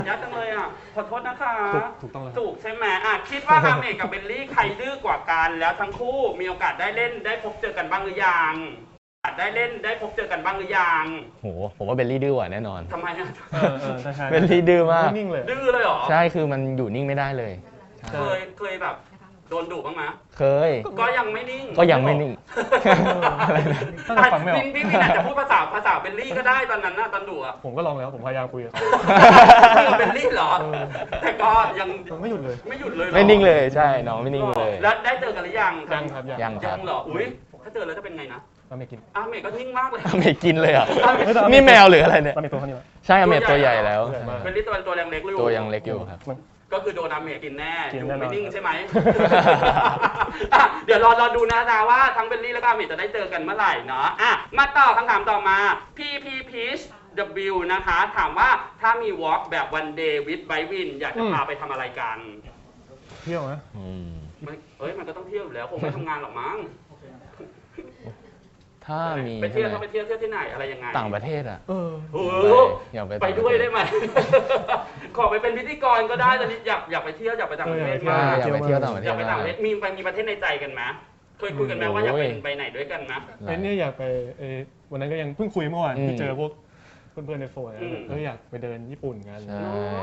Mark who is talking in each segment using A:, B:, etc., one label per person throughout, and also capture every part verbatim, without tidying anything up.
A: ยากจังเลยอ่ะขอโทษนะคะ
B: ถูกต้องแล้ว
A: ถูกใช่ไหมอ่ะคิดว่าอาเมกกับเบลลี่ใครดื้อกว่ากันแล้วทั้งคู่มีโอกาสได้เล่นได้พบเจอกันบ้างหรือยังได้เล่นได้พบเจอกันบ้างหรือยัง
C: โหผมว่าเบลลี่ดื้อกว่าแน่นอน
A: ทำไมอ่ะ
B: เออเออใช่ใช่
C: เบลลี่ดื้อมาก
B: นิ่งเลย
A: ดื้อเลยเหรอ
C: ใช่คือมันอยู่นิ่งไม่ได้เลย
A: เคยเคยแบบโดนดุบ้างไหม
C: เคย
A: ก็ยังไม่นิ่ง
C: ก็ยังไม่นิ่ง อะไรนะ
B: ตั้งแต่ฟังไม่ออก
A: พี่พี่พี่อาจจะพูดภาษาภาษาเบลลี่ก็ได้ตอนนั้นนะตอนดุอ่ะ
B: ผมก็ลองแล้วผมพยายามคุยกับเขา
A: พี่กับเบลลี่เหรอ
B: เออ
A: แต่ก็ยัง
B: ไม่หยุดเลย
A: ไม่หยุดเลยเหรอ
C: ไม่นิ่งเลยใช่น้องไม่นิ่งเลย
A: แล้วได้เจอกันหรือยัง
B: ยังครับยัง
C: ยังค
A: ยั
C: รับ
A: งเหรออุ้ยถ้าเจอแล้วจะเป็นไงนะ
B: เราไม่กิน
A: อาเมกก็นิ่งมากเลย
C: อเมริกินเลยเหรอ่ะ
B: เฮ้ยแต่
C: นี่แมวหรืออะไรเนี่ย
B: เรามีตัวเขานี่มั้ย
C: ใช่อเมริตัวใหญ่แล้ว
B: ตัวใหญ่มาก
A: เบลลี่ตัวตัวยังเล็กอยู่
C: ตัวยังเล็กอยู่ครับ
B: มัน
A: ก็คือโดนอาเมกกินแน่
B: กิ
A: อน ยู่
B: แน่นอน
A: ไม่นิ่งใช่ไหม อ่ะเดี๋ยวรอรอดูนะจ๊ะว่าทั้งเบลลี่และก็อาเมกจะได้เจอกันเมื่อไหร่เนาะอ่ะมาต่อคำถามต่อมา พี พี Peach W นะคะ ถามว่าถ้ามี walk แบบ one day with by win อยากจะพาไปทำอะไรกัน
B: เที่ยวนะ
C: อืม
A: มันเอ้ยมันก็ต้องเที่ยวอยู่แล้วคงไม่ทำงานหรอกมั้ง
C: ถ้ามี
A: ไปเที่ยว
C: ใช่
A: ถ้า
C: ไห
A: ไป
C: ม
A: เที่ยวเที่ยวที่ไหนอะไรยังไง
C: ต่างประเทศอ่ะ
B: เออ
A: โอ้
C: ไป
A: โห
C: อยากไป
A: ไป
C: ต่างประเทศ
A: ด้วยได้ไหม ขอไปเป็นพิธีกรก็ได้ตอนนี้อยากอยากไปเที่ยวอยากไปต่างประเทศ
C: ใช่
A: มาก
C: อยากไปเที่ยวต่างประเท
A: อ
C: ศ
A: ยากไปต่างประเทศ
C: มาก
A: มีไปมีประเทศในใจกันไหมเคยคุยกันไหมว่าอยากไป
C: โอ้ย
A: ไปไหนด้วยกันนะ
B: ไอ้เนี่ยอยากไปเออวันนั้นก็ยังเพิ่งคุยเมื่อวาน
C: อืม
B: ที่เจอพวกเพื่อนๆในโฟน
A: อืม
B: เอออยากไปเดินญี่ปุ่นกัน
C: ใช่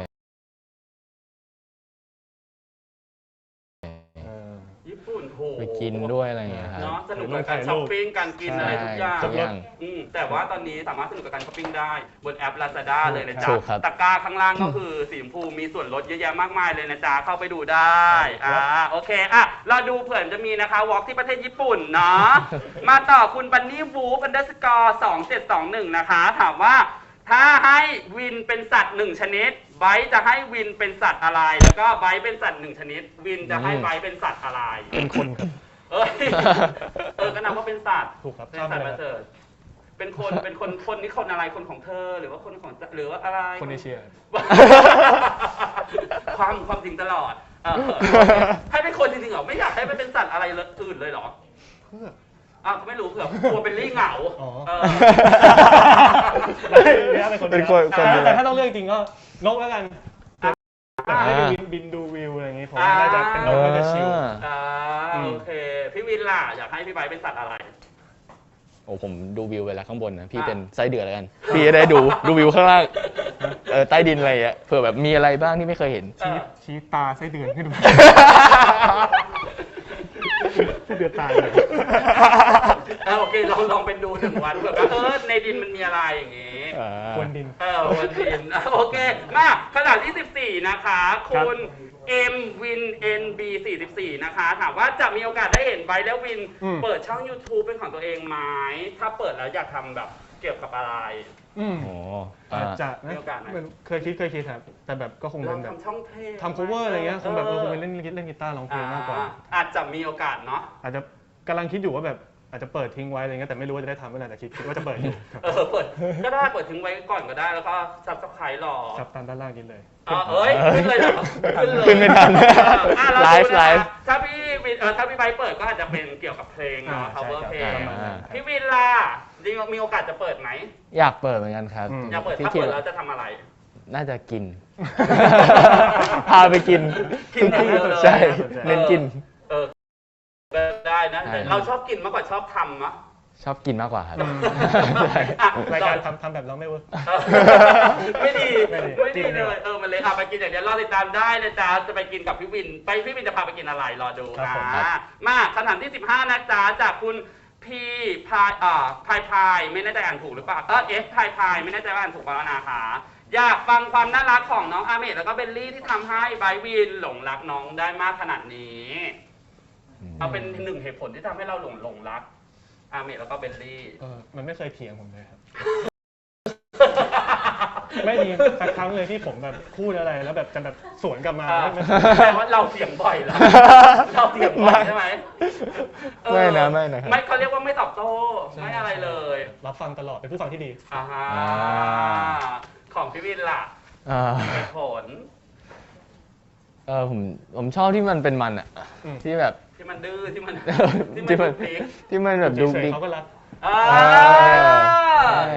B: เออ
A: ญี่ปุ่นโห
C: ไปกินด้วยอะไรอย่างเงี้ยครับ
A: เนาะสนุกกับการช้อปปิ้งการกินอะไรทุกอย่าง
C: ทุกอย่าง
A: อืมแต่ว่าตอนนี้สามารถสนุกกับการช้อปปิ้งได้บนแอป Lazada เลยนะจ๊ะ
C: ถูกครับ
A: ตะกร้าข้างล่างก็คือสีชมพูมีส่วนลดเยอะแยะมากมายเลยนะจ๊ะเข้าไปดูได้อ่าโอเคอ่ะเราดูเผื่อจะมีนะคะวอล์กที่ประเทศญี่ปุ่นเนาะ มาต่อคุณบันนี่วูฟอันเดอร์สกอร์สองเจ็ดสองหนึ่งนะคะ ถามว่าถ้าให้วินเป็นสัตว์หนึ่งชนิดไบร์ทจะให้วินเป็นสัตว์อะไร แล้วก็ไบร์ทเป็นสัตว์หนึ่งชนิด วินจะให้ไบร์ทเป็นสัตว์อะไร
B: เป็นคนครับ
A: เอ้ย เออก็นับว่าเป็นสัตว์
B: ถูกครับ
A: เป็นสัตว์ประเสริฐเป็นคนเป็นคนคนนี่คนอะไรคนของเธอ หรือว่าคนของหรือว่าอะไร
B: คนเอเชีย
A: ความความจริงตลอดเออให้เป็นคนจริงๆเหรอไม่อยากให้มันเป็นสัตว์อะไรอื่นเลยเหรอ
B: เพื่อ
A: อ่ะไม่รู้เผื่อกลัวเป็นลี่เหงา
B: อ๋อ
A: เออ
B: ไม่ไม่ได้เป็นคน
C: เป็นคน
B: แต่
C: คนเดียว
B: แต่ถ้าต้องเลือกจริงก็นกแล้วกันแต่ให้ไป
C: อ่า
B: บินบินดูวิวอะไรอย่างงี้ผมว่าน่าจะเป็นนกน่าจะชิล
A: อ่าโอเค พี่วินล่ะอยากให้พี่ไบร์ทเป็นสัตว์อะไร
C: โอ้ผมดูวิวเวลาข้างบนนะพี่
A: อ่ะ
C: เป็นไส้เดือดแล้วกัน พี่จะได้ดูดูวิวข้างล่างเออใต้ดินอะไรอ่ะเผื่อแบบมีอะไรบ้างที่ไม่เคยเห็น
B: ชี้ชี้ตาไส้เดือนให้ดูไส้เดือนตายเลย
A: เออโอเคลองลองเป็นดูหนึ่งวันเผื่อว่าเออในดินมันมีอะไรอย่างงี้
C: อ่า
B: ควนดิน
A: เออวันดินอ่ะโอเคมาขนาดที่สิบสี่นะคะ คุณ M Win N B สี่สิบสี่นะคะ ถามว่าจะมีโอกาสได้เห็นไบร์ทและวิน
B: อืม
A: เปิดช่อง YouTube เป็นของตัวเองไหมถ้าเปิดแล้วอยากทำแบบเกี่ยวกับอะไร
B: อืม
C: โอ้
B: อาจจะ
A: มีโอกาสไหม
B: ไม่รู้เคยคิดเคยคิดครับแต่แบบก็คง
A: เรา
B: เป็นแบบ
A: ทำช่องเพลง
B: ทำ cover อะไรเงี้ยคงแบบเออคงเป็นเล่นเล่นกีตาร์ร้องเพลงมากกว่า
A: อ่อาจจะมีโอกาสเนาะ
B: อาจจะกำลังคิดอยู่ว่าแบบอาจจะเปิดทิ้งไว้อะไรเงี้ยแต่ไม่รู้ว่าจะได้ทำเมื่อไหร่แต่คิดคิดว่าจะเปิดอยู่ครับ
A: เออเปิดก็ได้เปิดทิ้งไว้ก่อนก็ได้แล้วก็ซับสไครต์รอ
B: ครับตามด้านล่างกินเลย
A: อ๋อเอ้ยขึ้นเลยเหรอขึ้นเลย
C: ขึ้นไม่ทัน
A: อ่ะเรา
C: ไล
A: ดู
C: ฟ์
A: นะ
C: ไล
A: คะ
C: ฟ์
A: ถ้าพี่วินเออถ้าพี่ไบร์ทเปิดก็อาจจะเป็นเกี่ยวกับเพลงเนาะ
B: อ่า
A: cover
B: ใช่
A: เพล
B: ครับ
A: ง
B: ประมาณนั้น
A: พี่วินล่ะจริงๆมีโอกาสจะเปิดไหม
C: อยากเปิดเหมือนกันครับ
B: อืม
A: อยากเปิด
C: ที่
A: ถ้า
C: คิด
A: เปิดแล้วจะทำอะไร
C: น่าจะกิน พาไปกิน
A: กินอย่างเดียวเลย
C: ใช่เน้นกิน
A: เออก็ได้นะ
C: ใช่
A: แต่เราชอบกินมากกว่าชอบทำอะ
C: ชอบกินมากกว่าครับ
B: อืม
C: ใช่
A: อ่ะ
B: รายการทำทำแบบเราไม่เวิร์ก
A: เออไม่ดี
B: ไม่ดี
A: ไม่ดี
B: จริง
A: เล
B: เลย ย
A: เออมันเลยอ่ะไปกินอย่างเดียวรอติดตามได้นะจ๊ะจะไปกินกับพี่วิน ไปพี่วินจะพาไปกินอะไรรอดู
B: ครับ
A: นะ
B: ผมครับ
A: มาคำถามที่สิบห้านะจ๊ะจากคุณพีพายอ่าพายพายไม่แน่ใจอ่านถูกหรือเปล่าเออเอฟพายพายไม่แน่ใจว่าอ่านถูกเปล่านะคะอยากฟังความน่ารักของน้องอาเมดแล้วก็เบลลี่ที่ทำให้ไบร์ทวินหลงรักน้องได้มากขนาดนี้ เอาเป็นหนึ่งเหตุผลที่ทำให้เราหลงหลงรักอาเมดแล้วก็เบลลี่
B: เออมันไม่เคยเถียงผมเลยครับ ไม่มีสักครั้งเลยที่ผมแบบพูดอะไรแล้วแบบจะแบบสวนกลับมา
A: อ่า
B: ไม่
A: แปลว่าเราเสียงบ่อยแล้ว เราเสียงบ่อยใช่ไหมเออ
C: ไม่นะไม่นะครับ
A: ไม่เขาเรียกว่าไม่ตอบโต้ ไม่อะไรเลย
B: รับฟังตลอดเป็นผู้ฟังที่ดี
A: อ่าฮะ
C: อ่า
A: ของพี่วินล่ะ
C: อ่า
A: เหตุผล
C: เออผมผมชอบที่มันเป็นมันอ่ะ
B: อืม
C: ที่แบบ
A: ที่มันดื้อที่มัน
C: ที่มัน
A: ดุกดิก
C: ที่มันแบบดู
B: เฉย
C: ดิ
B: ๆเขาก็รัก
A: อ่า
C: ใช่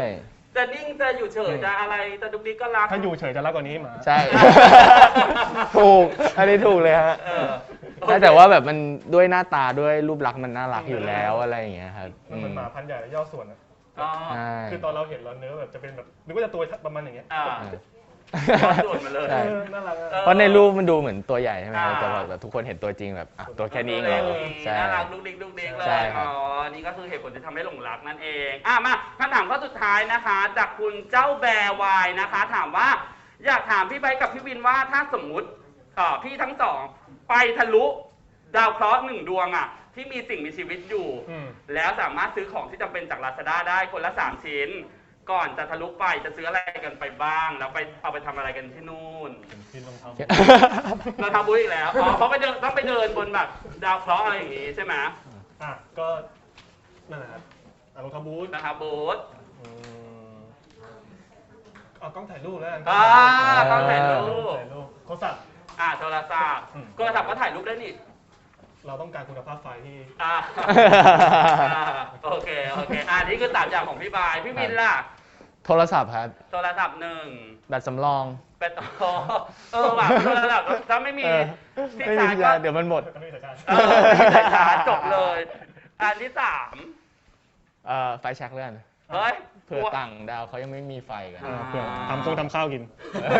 A: จะนิ่งจะอยู่เฉยจะอะไรจะดุกดิกก็รัก
B: ถ้าอยู่เฉยจะรักกว่านี้หมา
C: ใช่ ถูก อันนี้ถูกเลยฮะ
A: เออ
C: ใช่แต่ว่าแบบมันด้วยหน้าตาด้วยรูปลักษณ์มันน่ารักอยู่แล้วอะไรอย่างเงี้ยครับ
B: มันเหมือนหมาพันธุ์ใหญ่และย่อส่วนอะ
A: อ๋อ
C: ใช่
B: คือตอนเราเห็นเราเนื้อแบบจะเป็นแบบนึกว่าจะตัวประมาณอย่างเงี้ย
A: อ่า
C: เออ
A: ย่อส่วนมาเลย
C: ใช่
B: เออน่ารักอะ
A: เออ
C: เพราะในรูปมันดูเหมือนตัวใหญ่ใช่ไหมครับ
A: อ่า
C: แต่ว่าแบบทุกคนเห็นตัวจริงแบบอ่ะตัวแค่นี้เองเหรอใช่
A: น่ารักดุกดิกดุกดิกเล
C: ใช่
A: ย
C: ครั
A: อ๋
C: บ
A: อนี่ก็คือเหตุผลที่ทำให้หลงรักนั่นเองอ่ะมาคำถามข้อสุดท้ายนะคะ จากคุณเจ้าแบร์วายนะคะ ถามว่าอยากถามพี่ไบร์ทกับพี่วินว่าถ้าสมมุติเอ่อพี่ทั้งสองไปทะลุดาวเคราะห์หนึ่งดวงอ่ะที่มีสิ่งมีชีวิตอยู่
B: อืม
A: แล้วสามารถซื้อของที่จำเป็นจาก Lazada ได้คนละสามชิ้น ก่อนจะทะลุไปจะซื้ออะไรกันไปบ้าง แล้วไปเอาไปทำอะไรกันที่นู่น
B: ผมกินรองเท้า
A: เราทำบุญอีกแล้วอ๋อเพราะไปเดินต้องไปเดินบนแบบดาวเคราะห์อะไรอย่างงี้ใช่ไหม
B: อ่ะก็นั่นแหละครับอ่ะรองเท้าบูท
A: นะครับบูธ
B: อืมเอากล้องถ่ายรูปแล้วกัน
A: อ่าต้องถ่ายรู
B: กล้อง
A: ป
B: ถ่ายรูปโทรศัพท์
A: อ่าโทรศัพท์
B: อืม
A: โทรศัพท์ก็ถ่ายรูปได้นี่
B: เราต้องการคุณภาพไฟที่
A: อ่าอ่าโอเคโอเคอ่านี่คือสามอย่างของพี่บายพี่วินล่ะ
C: โทรศัพท์ครับ
A: โทรศัพท์หนึ่ง
C: แบตสำรอง
A: เป็นอ๋อเออว่ะโทรศัพท์ถ้าไม่มี
C: เออ
A: ที่
C: ไม่
A: ชา
C: มี
A: ร์จ
C: ยา
A: ก็
C: เดี๋ยวมันหมด
B: ไม่มีสัญญาณ
A: เออไม่มีสายชาร์จจบเลย อันที่สาม
C: เอ่อไฟแช็กเลื่อน
A: เฮ้ย
C: เผื่อต่างดาวเขายังไม่มีไฟกัน
B: อ่าเพื่อทำคงทำข้าวกิน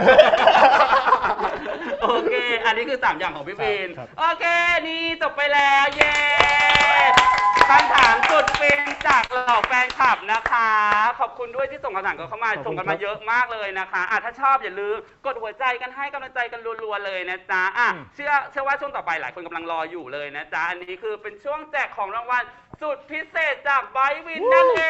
A: โอเค อันนี้คือสามอย่างของพี่วิน
B: ครับ
A: โอเค นี่จบไปแล้ว เย้คำถามสุดฟินจากเหล่าแฟนคลับนะคะ ขอบคุณด้วยที่ส่งคำถามกันเข้ามา ส่งกันมาเยอะมากเลยนะคะอ่ะถ้าชอบอย่าลืมกดหัวใจกันให้กำลังใจกันรัวๆเลยนะจ๊ะอ่ะเชื่อเชื่อว่าช่วงต่อไปหลายคนกำลังรออยู่เลยนะจ๊ะ อันนี้คือเป็นช่วงแจกของรางวัลสุดพิเศษจากไบร์ทวินนั่นเอง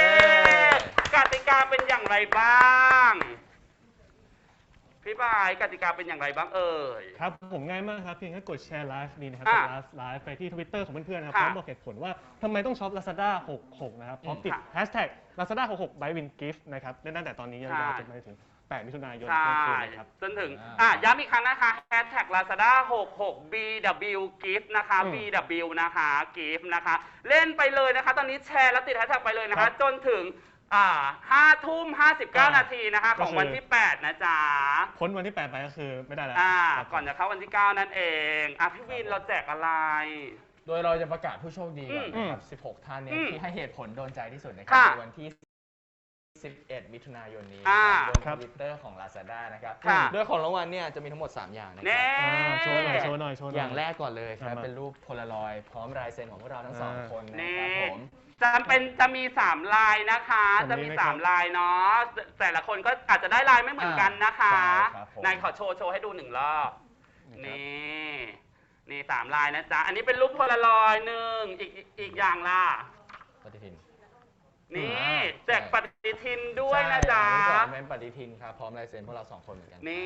A: กติกาเป็นอย่างไรบ้าง พี่บายกติกาเป็นอย่างไรบ้างเอ่ย
B: ครับผมง่ายมากครับเพียงแค่กดแชร์ไลฟ์นี้นะครับ
A: อ่ะ
B: กดไลฟ์ไลฟ์ไปที่ Twitter ของเพื่อนๆนะครับ
A: ค่ะ
B: พร้อมบอกเหตุผลว่าทำไมต้องช็อป Lazada หกสิบหกนะครับพร้อมติด
A: ค่ะ
B: Hashtag Lazada หกสิบหก by Win Gift นะครับเล่นตั้งแต่ตอนนี้ยาวๆจนไปถึงแปดมิถุนายน
A: ใช่
B: เที่ยงคืนนะครับ
A: จนถึง
C: อ่า
A: อ่ะย้ำอีกครั้งนะคะ hashtag lazada หกสิบหก บี ดับเบิลยู gift นะคะ
B: อืม
A: บี ดับเบิลยู นะคะ gift นะคะ เล่นไปเลยนะคะ ตอนนี้แชร์แล้วติด hashtag ไปเลยนะ
B: ครั
A: คะ
B: บ
A: จนถึงอ่าห้าทุ่มห้าสิบเก้า
B: อ่า
A: นาทีนะคะ ของ
B: ก็คือ
A: วันที่แปดนะจ๊ะ
B: พ้นวันที่แปดไปก็คือไม่ได้แล้ว
A: อ่า
B: ครับ
A: ก่อนจะเข้าวันที่เก้านั่นเอง อ่ะพี่วินเราแจกอะไร
C: โดยเราจะประกาศผู้โชคดีก่อน
A: อืม
C: นะครับ สิบหก ท่านเนี่ย
A: อืม
C: ที่ให้เหตุผลโดนใจที่สุดนะครั
A: ค่ะ
C: ในวันที่ สิบเอ็ด มิถุนายนนี้
A: อ่า
C: บน
B: ครั
C: ท
B: บ
C: วิตเตอร์ของ Lazada นะครับ
A: ค่ะ
C: โดยของรางวัลเนี่ยจะมีทั้งหมด สาม อย่างนะค
A: เน่
C: รับ
B: อ่าโชว์หน่อยโชว์หน่อยโชว์หน่อย
C: อย่างแรกก่อนเลยครับ
B: มา
C: เป็นรูปโพลารอยด์พร้อมลายเซ็นของพวกเราทั้งสอง
B: อ่า
C: คนนะ
A: นี่
C: ครับผม
A: จะเป็นจะมีสามลายนะคะ
B: จะ
A: จะ
B: มี
A: มี
B: ไหม
A: สาม
B: ครับ
A: ลายเนาะแต่แต่ละคนก็อาจจะได้ลายไม่เหมือนกันนะคะ
C: ใช่ครับผม
A: นายขอโชว์โชว์ให้ดูหนึ่งรอบนี่ นี่สามลายนะจ๊ะ อันนี้เป็นรูปโพลารอยด์หนึ่งอีกอีกอีกอย่างล่ะ
C: ปฏิทิน
A: นี่
C: อ่า
A: แจกปฏิทินด้วยนะจ๊ะ
C: ใช่อันที่สองเป็นปฏิทินครับ พร้อมลายเซ็นพวกเราสองคนเหมือนกัน
A: นี่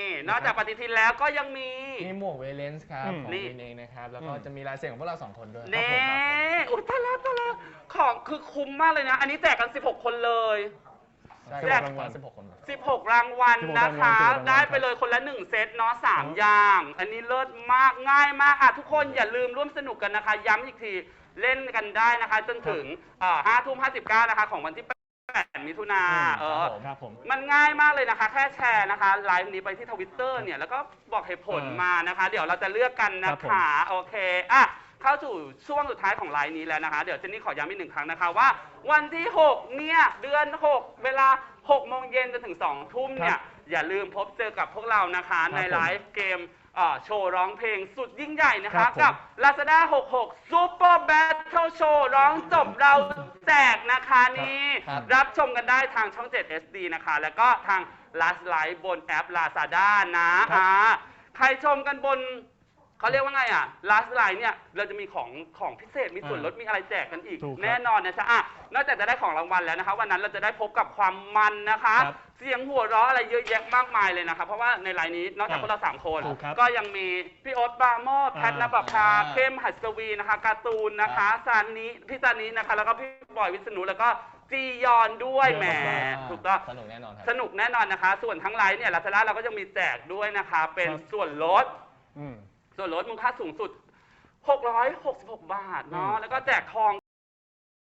A: นอกจากปฏิทินแล้วก็ยังมี
C: มีหมวกเวเลนส์ครับ
B: อืม
C: ของ
A: นี่
C: วินเองนะครับ แล้วก็
B: อืม
C: จะมีลายเซ็นของพวกเราสองคนด้วย
A: เน่
C: ครับผมครับผม
A: อุ้ยตายแล้วตายแล้วของคือคุ้มมากเลยนะ อันนี้แจกกันสิบหกคนเลย
C: ใช่
A: แจก
C: รางวัลสิบหกคนครับ
A: สิบหกรางวัลนะคะ
B: สิบหกรางวัล
A: ได้ไปเลยคนละหนึ่งเซตเนาะสามอย่าง อันนี้เลิศมากง่ายมากอ่ะทุกคนอย่าลืมร่วมสนุกกันนะคะ ย้ำอีกทีเล่นกันได้นะคะ จนถึงห้าทุ่มห้าสิบเก้านะคะ ของวันที่แปดมิถุนา
B: อืม
A: เออ
B: ครับผม
A: มันง่ายมากเลยนะคะ แค่แชร์นะคะไลฟ์นี้ไปที่ทวิตเตอร์เนี่ยแล้วก็บอกเหตุผล
B: อ่าม
A: มานะคะ เดี๋ยวเราจะเลือกกันนะ
B: ครั
A: คะ
B: บผม
A: โอเคอ่ะเข้าสู่ช่วงสุดท้ายของไลฟ์นี้แล้วนะคะ เดี๋ยวเจนนี่ขอย้ำอีกหนึ่งครั้งนะคะว่า วันที่หกเนี่ยเดือนหกเวลาหกโมงเย็นจนถึงสองทุ่มเนี่ยอย่าลืมพบเจอกับพวกเรานะคะ ในไลฟ์เกมเอ่อโชว์ร้องเพลงสุดยิ่งใหญ่นะ
B: ครั
A: คะ
B: บผม
A: กับ Lazada หกสิบหก Super Battle Show ร้องจบเราแจกนะคะนี่
C: ครับ
A: รับชมกันได้ทางช่อง เจ็ด เอส ดี นะคะ แล้วก็ทาง Last Live บนแอป Lazada นะครับ อ่าใครชมกันบนเขาเรียกว่าไงอ่ะ Last Live เนี่ยเราจะมีของของพิเศษมีส่วนลดมีอะไรแจกกันอีก
B: ถูกครับ
A: แน่นอนนะจ๊ะอ่ะนอกจากจะได้ของรางวัลแล้วนะคะ วันนั้นเราจะได้พบกับความมันนะคะ
B: ครับ
A: เสียงหัวเราะอะไรเยอะแยะมากมายเลยนะคะเพราะว่าในไลน์นี้นอกจาก
B: อ่า
A: พวกเราสามคน
B: ถูกครับ
A: ก็ยังมีพี่โอ๊ตปราโมชแพท
B: อ่า
A: นภพา
C: อ่า
A: เข้มหัสวีนะคะการ์ตูนนะคะซานิพี่ซานินะคะ แล้วก็พี่บอยวิษณุแล้วก็จียอนด้วยแหม
B: เยอะมาก
A: ถูกต้อง
C: สนุกแน่นอนครับ
A: สนุกแน่นอนนะคะ ส่วนทั้งไลน์เนี่ยลาซาด้าเราก็ยังมีแจกด้วยนะคะ เป็น
B: ครับ
A: ส่วนลด
B: อืม
A: ส่วนลดมูลค่าสูงสุดหกร้อยหกสิบหกบาทเนาะ
B: อืม
A: แล้วก็แจกทอง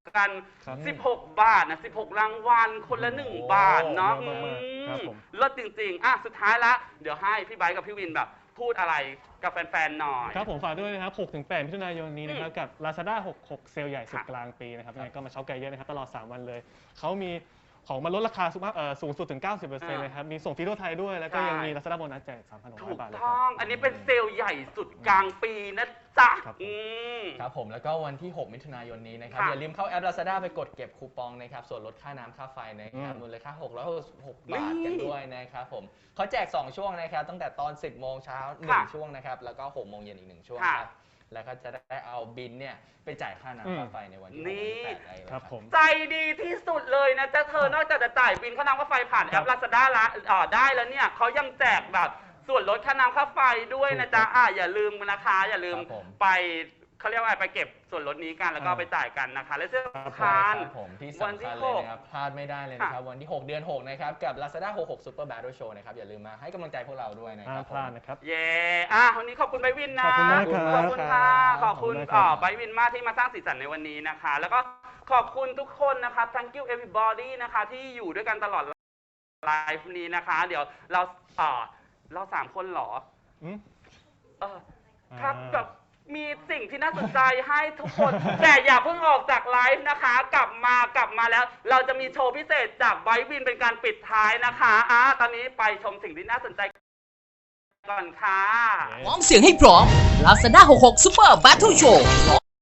A: กัน
B: ครับ
A: สิบหก บาทนะสิบหกรางวัลคนละหนึ่งบาทเนาะ
B: เยอะมากๆครับผม
A: เลิศจริงๆอ่ะสุดท้ายละเดี๋ยวให้พี่ไบค์กับพี่วินแบบพูดอะไรกับแฟนๆหน่อย
B: ครับผมฝากด้วยนะครับหกถึงแปดมิถุนายนนี้นะครับกับ Lazada หกสิบหกเซลล์ใหญ่สุด
A: ค่ะ
B: กลางปีนะครับยังไงก็มาช็อปกันเยอะนะครับตลอดสามวันเลยเขามีของมาลดราคาสูงมากเอ่อสูงสุดถึง เก้าสิบเปอร์เซ็นต์ เลยครับมีส่งฟรีทั่วไทยด้วยแล้วก็ยังมี Lazada โบนัสแจก สามพันหกร้
A: ถู
B: อย
A: ก
B: บาทเลยค
A: ต้
B: รั
A: อบ ง อันนี้เป็นเซลล์ใหญ่สุดกลางปีนะจ๊ะ
B: ครับผม
A: อืม
C: ครับผมแล้วก็วันที่ หก มิถุนายนนี้นะครับ
A: ค่ะ
C: อย่าลืมเข้าแอป Lazada ไปกดเก็บคูปองนะครับส่วนลดค่าน้ำค่าไฟนะครับ
B: อืม
C: มูลค่าหกร้อยหกสิบหกบาทกันด้วยนะครับผมเขาแจก สอง ช่วงนะครับตั้งแต่ตอน สิบโมงเช้าหนึ่ง
A: ค่ะ
C: ช่วงนะครับแล้วก็ หก โมงเย็นอีกหนึ่งช่วง
A: ค่ะ
C: ครับแล้วก็จะได้เอาบินเนี่ยไปจ่ายค่าน้ำค่าไฟในวันที่หก
A: นี่
C: วันที่แปดได้เลย
B: ครับผม
A: ใจดีที่สุดเลยนะจ๊ะเธอนอกจากจะจ่ายบินค่าน้ำค่าไฟผ่านแอป
B: ครับ
A: Lazada ละอ่าได้แล้วเนี่ยเขายังแจกแบบส่วนลดค่าน้ำค่าไฟด้วยนะจ๊ะอ่าอย่าลืมนะคะอย่าลืม
C: ครับผม
A: ไปเขาเรียกว่าอะไรไปเก็บส่วนลดนี้กันแล้วก็
B: อ่า
A: ไปจ่ายกันนะคะ และเสื้อ
B: ครับ
A: คาน
C: ครับผมที่
A: วัน
C: สำ
A: ที่
C: คัญ
A: ห
C: เลย
A: ก
C: นะครับพลาดไม่ได้เลยนะครับวันที่ หก เดือน หก นะครับกับ Lazada หกสิบหก Super Battle Show นะครับอย่าลืมมาให้กำลังใจพวกเราด้วยนะค
B: ห้า
C: รับ
B: มพลาดนะครับ
A: เย่อ่ะวันนี้ขอบคุณไบร์ทวินนะ
B: ขอบคุณมากครับ
A: ขอบคุณค่ะ ขอบคุณ
B: ขอบคุณมากครับ
A: อ่าไบร์ทวินมากที่มาสร้างสีสันในวันนี้นะคะ แล้วก็ขอบคุณทุกคนนะคะ thank you everybody นะคะ ที่อยู่ด้วยกันตลอดไลฟ์นี้นะคะ เดี๋ยวเราอ่าเราสามคนเหรอ
B: อืม
A: เออครับ
B: อ่า
A: แบบมีสิ่งที่น่าสนใจให้ทุกคน แต่อย่าเพิ่งออกจากไลฟ์นะคะ กลับมากลับมาแล้ว เราจะมีโชว์พิเศษจากไบร์ทวินเป็นการปิดท้ายนะคะอ่ะตอนนี้ไปชมสิ่งที่น่าสนใจก่อนค่ะ
D: พร้อมเสียงให้พร้อม Lazada หกสิบหก Super Battle Show